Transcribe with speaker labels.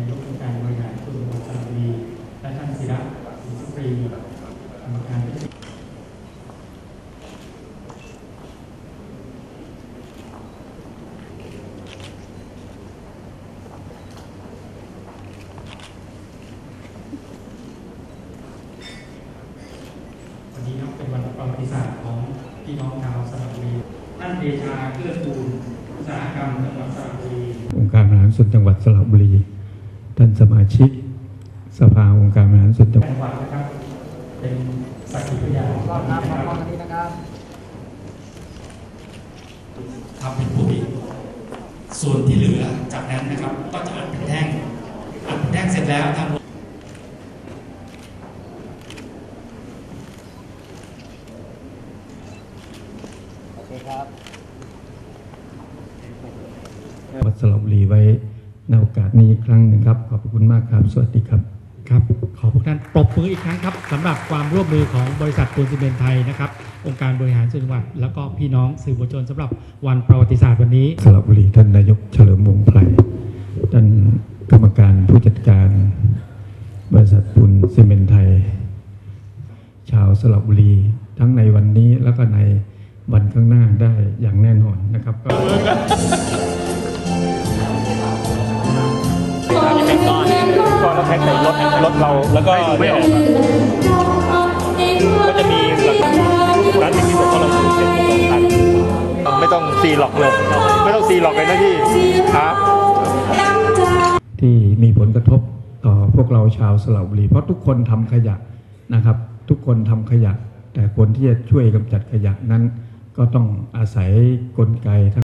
Speaker 1: ายกองค์การบริหารส่วนจังหวัดสระบุรีและท่านศิระศรีสุปรีกรรมการวันนี้เป็นวันประวัติศาสตร์ของพี่น้องชาวสระบุรีท่านเดชาเกื้อกูลอุตสาหกรรมจังหวัดสระบุรี
Speaker 2: องค์การบริหารส่วนจังหวัดสระบุรีท่านสมาชิกสภาองค์การบริหารส่วนจังหวัด
Speaker 1: นะครับเป็นสักขีพยานนะครับ
Speaker 3: ทำเป็นผู้ผิดส่วนที่เหลือจากนั้นนะครับก็จะอัดเป็นแท่งเสร็จแล้วทำ
Speaker 2: วัดสระบุรีไว้ในโอกาสนี้อีกครั้งหนึ่งครับขอบคุณมากครับสวัสดีครับ
Speaker 4: ครับขอพวกท่านปรบมืออีกครั้งครับสำหรับความร่วมมือของบริษัทปูนซีเมนต์ไทยนะครับองค์การบริหารส่วนจังหวัดแล้วก็พี่น้องสื่อมวลชนสำหรับวันประวัติศาสตร์วันนี้
Speaker 2: สระบุรีท่านนายกเฉลิมวงศ์ไพรท่านกรรมการผู้จัดการบริษัทปูนซีเมนต์ไทยชาวสระบุรีทั้งในวันนี้แล้วก็ในวันข้างหน้าได้อย่างแน่นอนนะครับก็
Speaker 5: ก็เราแพ็คใส่รถเราแล้วก็ไม่ออกก็จะมีหลักร้านที่บอกว่าเราเก็บ2,000ไม่ต้องซีล็อกเลยไม่ต้องซีล็อกเลยนะพี่ครับ
Speaker 2: ที่มีผลกระทบต่อพวกเราชาวสระบุรีเพราะทุกคนทำขยะนะครับทุกคนทำขยะแต่คนที่จะช่วยกำจัดขยะนั้นก็ต้องอาศัยกลไก